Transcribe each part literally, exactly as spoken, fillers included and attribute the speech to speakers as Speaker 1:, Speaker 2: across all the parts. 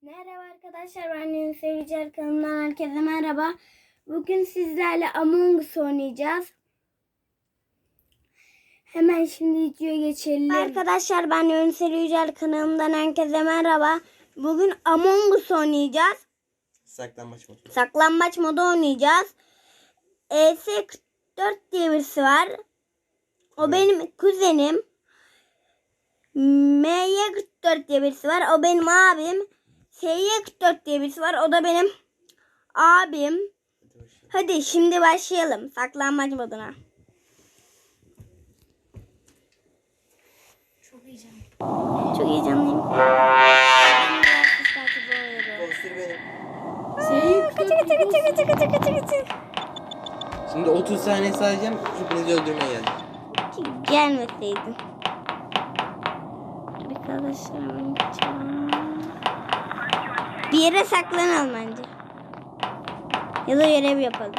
Speaker 1: Merhaba arkadaşlar, ben Yunus Yücel kanalından herkese merhaba. Bugün sizlerle Among Us oynayacağız. Hemen şimdi videoya geçelim. Arkadaşlar, ben Yunus Yücel kanalından herkese merhaba. Bugün Among Us oynayacağız.
Speaker 2: Saklambaç modu.
Speaker 1: Saklambaç modu oynayacağız. E S kırk dört diye birisi var. O evet. Benim kuzenim. M Y kırk dört diye birisi var. O benim abim. S Y kırk dört diye birisi var. O da benim abim. Hadi şimdi başlayalım saklanmaç moduna.
Speaker 3: Çok heyecanlıyım.
Speaker 1: Çok heyecanlıyım.
Speaker 2: Poster benim.
Speaker 1: Kaçı kaçı kaçı kaçı kaçı kaçı kaçı.
Speaker 2: Şimdi otuz saniye sayacağım. Hepinizi öldürmeye geldim.
Speaker 1: Gelmeseydin. Arkadaşlarım. Bir yere saklanalım bence. Ya da görev yapalım.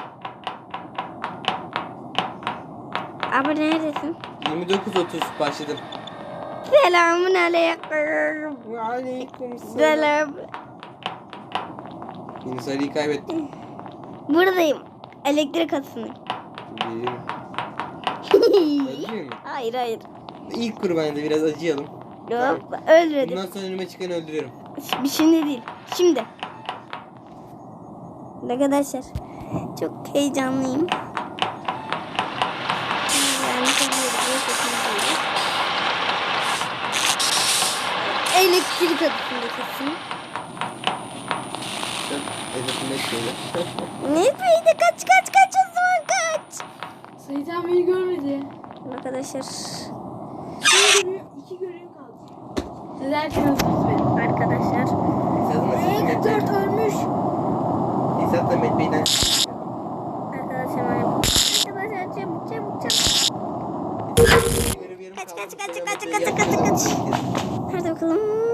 Speaker 1: Abi neredesin?
Speaker 2: yirmi dokuz otuz başladım.
Speaker 1: Selamun aleyküm.
Speaker 2: Aleyküm
Speaker 1: Selam.
Speaker 2: Yunus Ali'yi kaybettim.
Speaker 1: Buradayım. Elektrik hattındayım.
Speaker 2: Geliyorum. Acıyor mu?
Speaker 1: Hayır hayır.
Speaker 2: İlk kurbanında biraz acıyalım.
Speaker 1: Yok, öldürdüm.
Speaker 2: Bundan sonra önüme çıkanı öldürüyorum.
Speaker 1: Bir şimdi değil. Şimdi. Arkadaşlar çok heyecanlıyım. Yani elektrik hattında kesin.
Speaker 2: Hedefime şöyle.
Speaker 1: Neydi? Kaç kaç kaç o zaman kaç.
Speaker 3: Sait abi beni görmedi.
Speaker 1: Arkadaşlar.
Speaker 3: Bir görev, iki görev kaldı. Siz erken öldünüz beni.
Speaker 1: Arkadaşlar.
Speaker 3: kırk dört ölmüş.
Speaker 2: Esat'la Met Bey'den.
Speaker 1: Arkadaşlar arkadaşlar çabuk çabuk çabuk. Kaç kaç kaç kaç kaç kaç kaç. Hadi bakalım.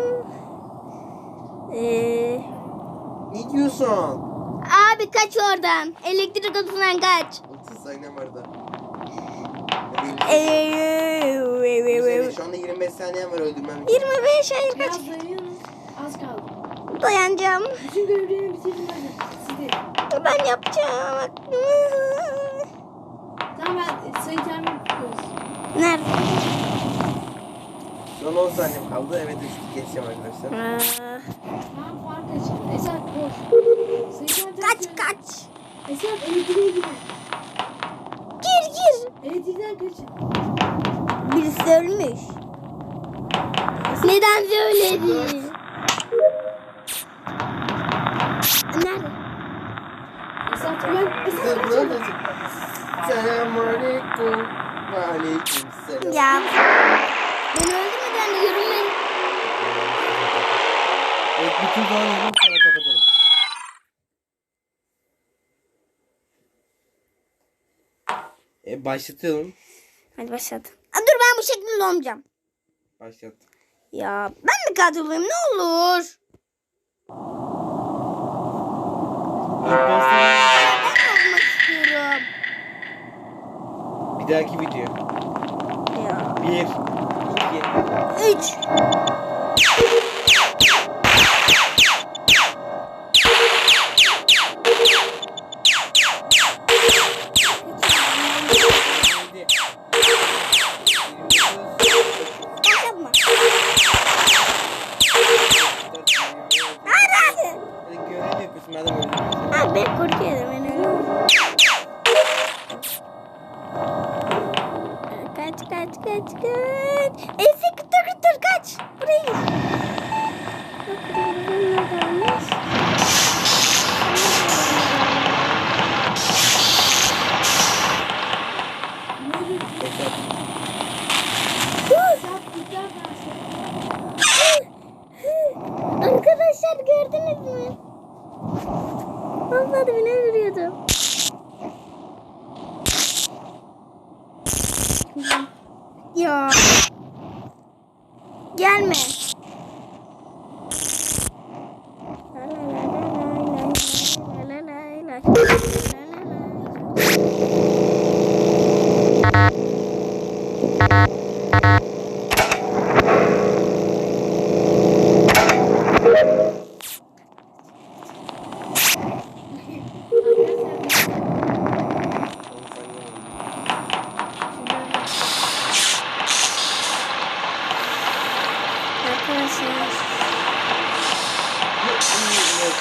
Speaker 1: Ee,
Speaker 2: Ne diyorsun?
Speaker 1: abi kaç oradan. Elektrik odasından kaç.
Speaker 2: otuz saniyem var da.
Speaker 1: Eee,
Speaker 2: Şu anda yirmi beş saniyem var öldürmem.
Speaker 1: yirmi beş hayır kaç.
Speaker 3: Biraz dayanıyorsunuz. Az kaldı.
Speaker 1: Dayanacağım.
Speaker 3: Bütün görevlerimi bitirdim hadi. Siz de.
Speaker 1: Ben yapacağım.
Speaker 3: Tamam ben Sait abi tutuyoruz.
Speaker 1: Nerede?
Speaker 2: Son on saniyem kaldı. Evet geçeceğim arkadaşlar.
Speaker 1: Aa,
Speaker 3: Tamam fark açın. Esat boş. Sait abi
Speaker 1: kaç kaç.
Speaker 3: Esat elektriğe girin.
Speaker 1: Gir gir.
Speaker 3: Elektrikten kaçın.
Speaker 1: Birisi ölmüş. Neden söyledi? Nerede?
Speaker 3: Esat ben Esat
Speaker 2: Sen
Speaker 3: kaçın.
Speaker 2: neredesin? Selamünaleyküm. Aleyküm selam.
Speaker 1: Ya. Beni öldürmeden de görünmeyin.
Speaker 2: Evet bütün zaman oldu sonra kapatalım. E, başlatalım.
Speaker 1: Hadi başlat. Aa, dur ben bu şekilde olmayacağım.
Speaker 2: Başlat.
Speaker 1: Ya ben mi katil olayım ne olur? Ben olmak istiyorum.
Speaker 2: Bir dahaki video.
Speaker 1: Ya.
Speaker 2: Bir, iki,
Speaker 1: Üç.
Speaker 2: yedi.
Speaker 1: Yapma. Hadi hadi.
Speaker 2: Hadi görev yapıyorsun madem öldürüyorsun.
Speaker 1: Abi ben korkuyorum ben öyle. Kaç kaç kaç kaç. Ese kıtır kıtır kaç. Buraya git. Arkadaşlar gördünüz mü? Vallahi beni öldürüyordu. Ya. Gelme.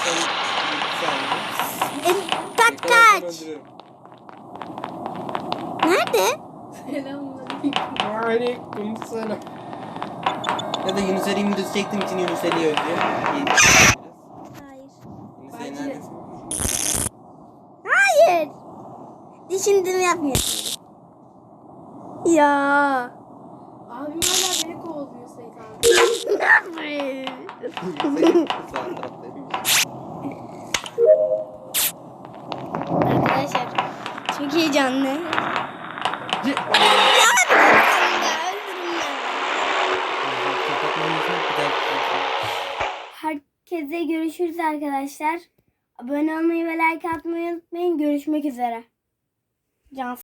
Speaker 1: E, kaç kaç. Nerede?
Speaker 3: Selamünaleyküm.
Speaker 2: Aleyküm selam. Ya da Yunus Ali'yi videosu çektiğim için Yunus Ali öldü.
Speaker 1: Hayır.
Speaker 2: Yunus Ali neredesin?
Speaker 1: Hayır. Düşündüğümü yapmıyorsun. Ya.
Speaker 3: Abim hala beni kovalıyor Sait abi.
Speaker 1: Ne yapayım? Arkadaşlar çok heyecanlı. Herkese görüşürüz arkadaşlar. Abone olmayı ve like atmayı unutmayın. Görüşmek üzere. Can